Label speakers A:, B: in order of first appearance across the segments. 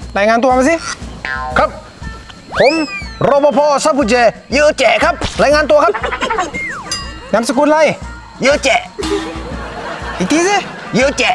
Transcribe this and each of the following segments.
A: รายงานตัวมาสิ
B: ครับผมรปภซับผู้เจเยอะแจครับรายงานตัวครับ
A: นามสกุลอะไร
B: เยอะแจ
A: อีกทีสิ
B: เยอะแจ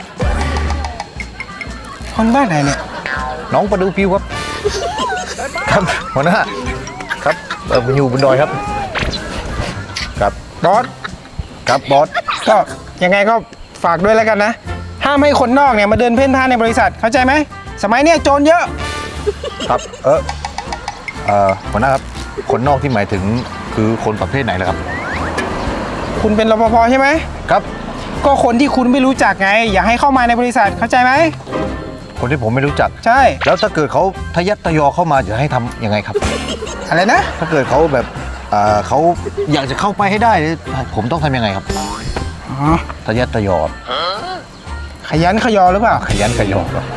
A: คนบ้านไหนเนี่ย
B: น้องประดูผิวครับครับหัวหน้าครับอยู่บนดอยครับครับ
A: บอส
B: ครับบอส
A: ก็ยังไงก็ฝากด้วยแล้วกันนะห้ามให้คนนอกเนี่ยมาเดินเพ่นพ่านในบริษัทเข้าใจไหมสมัยเนี้ยโจรเยอะ
B: ครับหัวหน้าครับคนนอกที่หมายถึงคือคนประเภทไหนล่ะครับ
A: คุณเป็นรปภใช่ไหม
B: ครับ
A: ก็คนที่คุณไม่รู้จักไงอย่าให้เข้ามาในบริษัทเข้าใจไหม
B: คนที่ผมไม่รู้จัก
A: ใช่
B: แล้วถ้าเกิดเขาทะยัดทะยอเข้ามาจะให้ทำยังไงครับ
A: อะไรนะ
B: ถ้าเกิดเขาแบบเขาอยากจะเข้าไปให้ได้ผมต้องทำยังไงครับทะยัดทะยอ
A: ขยันขยอหรือเปล่า
B: ขยันขยอครับ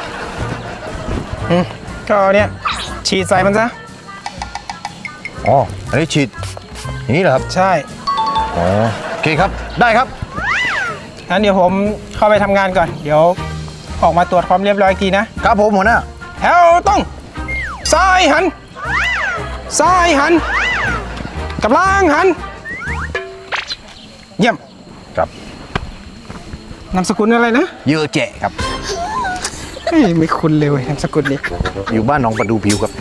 A: ก็เนี่ยฉีดใส่มันซะ
B: อ๋ออันนี้ฉีดอย่างนี้เหรอครับ
A: ใช่
B: อ๋อโอเคครับได้ครับ
A: งั้นเดี๋ยวผมเข้าไปทำงานก่อนเดี๋ยวออกมาตรวจความเรียบร้อยทีนะครับ
B: ผมหัวหน้า
A: แถวต้องซ้ายหันซ้ายหันกับล่างหันเยี่ยม
B: ครับ
A: นามสกุลอะไรนะ
B: เยอะแจครับ
A: ไม่คุ้นเลยนามสกุลนี้
B: อยู่บ้านน้องประดูผิวครับ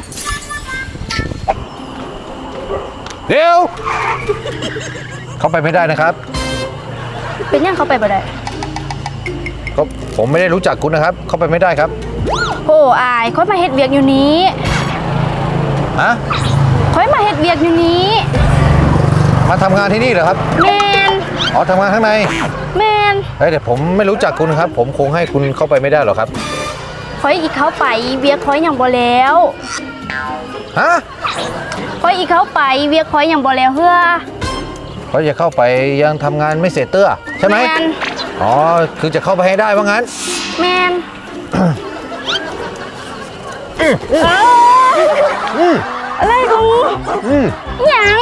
B: เดี๋ยวเข้าไปไม่ได้นะครับ
C: เป็นยังเข้าไปบ่ได้
B: ก็ผมไม่ได้รู้จักคุณนะครับเข้าไปไม่ได้ครับ
C: โอ้อายค่อยมาเฮ็ดเวียกอยู่นี้
B: ฮะ
C: ค่อยมาเฮ็ดเวียกอยู่นี้
B: มาทำงานที่นี่เหรอครับ
C: แมน
B: อ๋อทำงานข้างใน
C: แมน
B: แต่ผมไม่รู้จักคุณครับผมคงให้คุณเข้าไปไม่ได้หรอกครับ
C: ค่อยอีกเข้าไปเวียกค่อยยังบ่แล้ว
B: ฮะ
C: ค่อยอีกเข้าไปเวียกค่อยยังบ่แล้วเฮ้อ
B: เขาจะเข้าไปยังทำงานไม่เสร็จเตื้อใช่ไหมแมนอ๋อคือจะเข้าไปให้ได้ว่างั้น
C: แมนอะไรกูยัง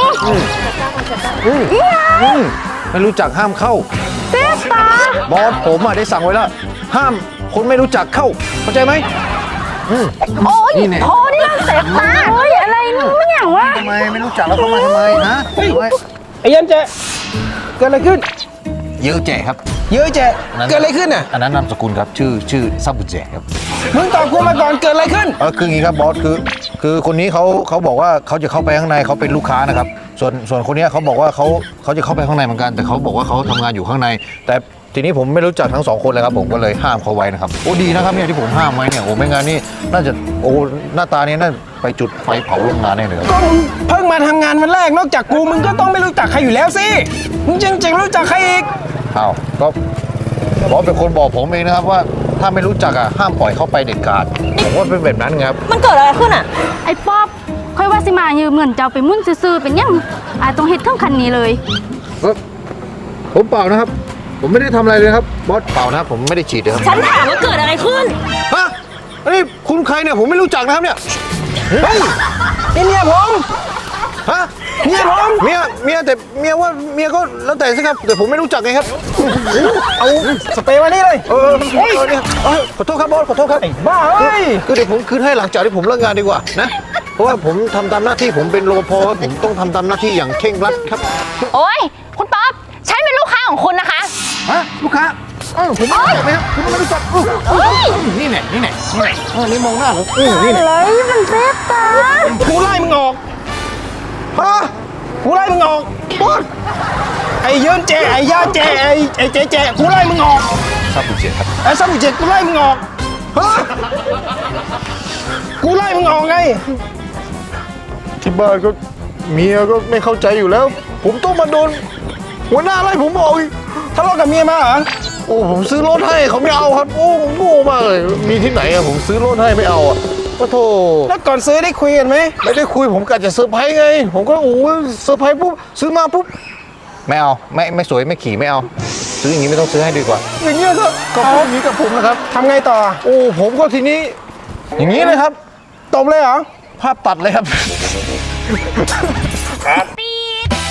B: ไม่รู้จักห้ามเข้า
C: เซฟตา
B: บอสผมได้สั่งไว้แล้วห้ามคนไม่รู้จักเข้าเข้าใจไหม
C: โอ้ยโทษนี่เซฟตาโอ้ยอะไรนี่ไม่อย่างวะ
B: ทำไมไม่รู้จักแล้วเข้ามาทำไมนะ
A: ไอ้ยันเจเกิดอะไรขึ้น
B: เยอะแจครับ
A: เยอะแจเกิดอะไรขึ้นอ่ะ
B: อันนั้นนามสกุลครับชื่อซับบุแจครับ
A: มึงตอบกูมาก่อนเกิดอะไรขึ้น
B: คืออย่างนี้ครับบอสคือคนนี้เขาบอกว่าเขาจะเข้าไปข้างในเขาเป็นลูกค้านะครับส่วนคนนี้เขาบอกว่าเขาจะเข้าไปข้างในเหมือนกันแต่เขาบอกว่าเขาทำงานอยู่ข้างในแต่ทีนี้ผมไม่รู้จักทั้งสองคนเลยครับผมก็เลยห้ามเขาไว้นะครับโอ้ดีนะครับเนี่ยที่ผมห้ามไว้เนี่ยโอ้ไม่งั้นนี่น่าจะโอ้หน้าตานี้น่าไปจุดไฟเผาโรงงานแน่เลย
A: ก็มึงเพิ่งมาทำงานวันแรกนอกจากกูมึงก็ต้องไม่รู้จักใครอยู่แล้วสิมึงจริงๆรู้จักใครอีก
B: อ้าวก็บอสเป็นคนบอกผมเองนะครับว่าถ้าไม่รู้จักห้ามปล่อยเข้าไปเด็ดขาดผมว่าเป็นแบบนั้นครับ
C: มันเกิดอะไรขึ้นไอ้ป๊อบค่อยว่าสิมายืมเงินเจ้าไปมุ่นซื่อๆเป็นยังต้องเฮ็ดทั้งคันนี้เลย
B: ผมเปล่านะครับผมไม่ได้ทำอะไรเลยครับบอสเปล่านะผมไม่ได้ฉีดเลยครับ
C: ฉันถามว่าเกิดอะไรขึ้น
B: ฮะนี่คุณใครเนี่ยผมไม่รู้จักนะครับเนี่ย
A: เฮ้ยนี่เมียผม
B: ฮะ
A: เมียผม
B: เมียแต่เมียว่าเมียก็แล้วแต่สิครับแต่ผมไม่รู้จักไงครับ
A: เอาสเปรย์มานี่เลย
B: ขอโทษครับบอสขอโทษครับ
A: บ้าเฮ้ย
B: คือเดี๋ยวผมคืนให้หลังจากที่ผมเลิกงานดีกว่านะเพราะว่าผมทำตามหน้าที่ผมเป็นรปภผมต้องทำตามหน้าที่อย่างเคร่งครัดครับ
C: โอ้ยคุณป๊อปฉันเป็นลูกค้าของคุณนะคะ
B: ฮะลูกค้าผมไม่รู้จักไหมครับคุณไม่รู้จักนี่แน่นี่มองหน้าเหรอนี่แน่
C: อะไรมันเซฟตา
A: กูไล่มึงออกฮะกูไล่มึงออกบอสไอ้เยินเจไอ้ย่าเจไอ้เจกูไล่มึงออก
B: ซับบุเจครับ
A: ไอ้ซับบุเจกูไล่มึงออกฮะกูไล่มึงออกไง
B: ที่บ้านก็เมียก็ไม่เข้าใจอยู่แล้วผมต้องมาโดนหัวหน้าไล่ผมออกอีก
A: ทะเลาะกับเมียมาเหรอ
B: โอ้ผมซื้อรถให้เขาไม่เอาครับโอ้ผมโง่มากเลยมีที่ไหนผมซื้อรถให้ไม่เอาก็โทษ
A: แล้วก่อนซื้อได้คุยกันไหม
B: ไม่ได้คุยผมกะจะเซอร์ไพรส์ไงผมก็โอ้เซอร์ไพรส์ปุ๊บซื้อมาปุ๊บไม่เอาไม่สวยไม่ขี่ไม่เอาซื้ออย่างนี้ไม่ต้องซื้อให้ดีกว่า
A: อย่างนี้ก็
B: พูดอย่างนี้กับผมนะครับ
A: ทำไงต่อ
B: โอ้ผมก็ทีนี้อย่างนี้เลยครับ
A: ตบเลยเหรอ
B: ภาพตัดเลยครับ